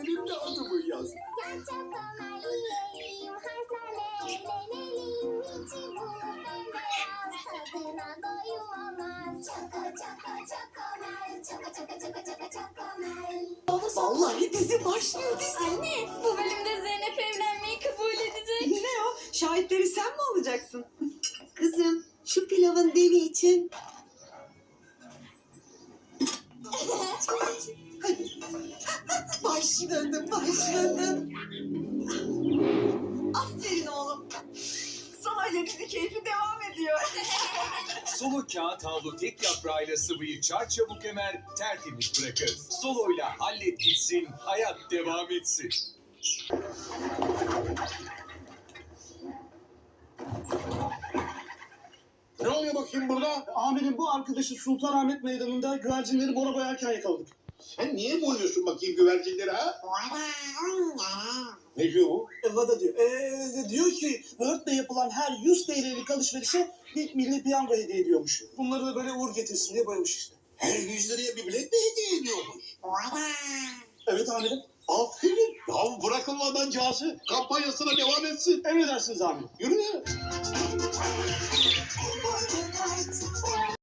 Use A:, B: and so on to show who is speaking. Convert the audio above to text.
A: önünde adımı yaz.
B: Gel çakallar yiyelim, harflerle eğlenelim. İçi bulut bembeyaz, tadına doyum olmaz. Çoko çoko çokomel, çoko çoko çoko çoko çokomel.
C: Vallahi dizi başlıyor dizi.
D: Anne, bu bölümde Zeynep evlenmeyi kabul edecek.
C: Ne o? Şahitleri sen mi olacaksın? Kızım şu pilavın devi için. Başladım. Aferin oğlum. Salayla dizi keyfi devam ediyor.
E: Solo kağıt havlu tek yaprağıyla sıvıyı çarçabuk emer, tertemiz bırakır. Solo'yla hallet gitsin, hayat devam etsin.
F: Ne oluyor bakayım burada?
G: Amirim bu arkadaşı Sultanahmet Meydanı'nda güvercinleri mora boyarken yakaladık.
F: Sen niye boyuyorsun bakayım güvercinleri ha? Ne diyor bu?
G: Vada diyor. Diyor ki Word'de yapılan her 100 TL'lik alışverişe bir milli piyango hediye ediyormuş. Bunları da böyle uğur getirsin diye boyamış işte.
F: Her 100 liraya bir bilet mi hediye ediyormuş?
G: Evet amirim.
F: Aferin. Ya bırakılmadan cihazı kampanyasına devam etsin.
G: Emredersiniz amirim.
F: Yürü ya.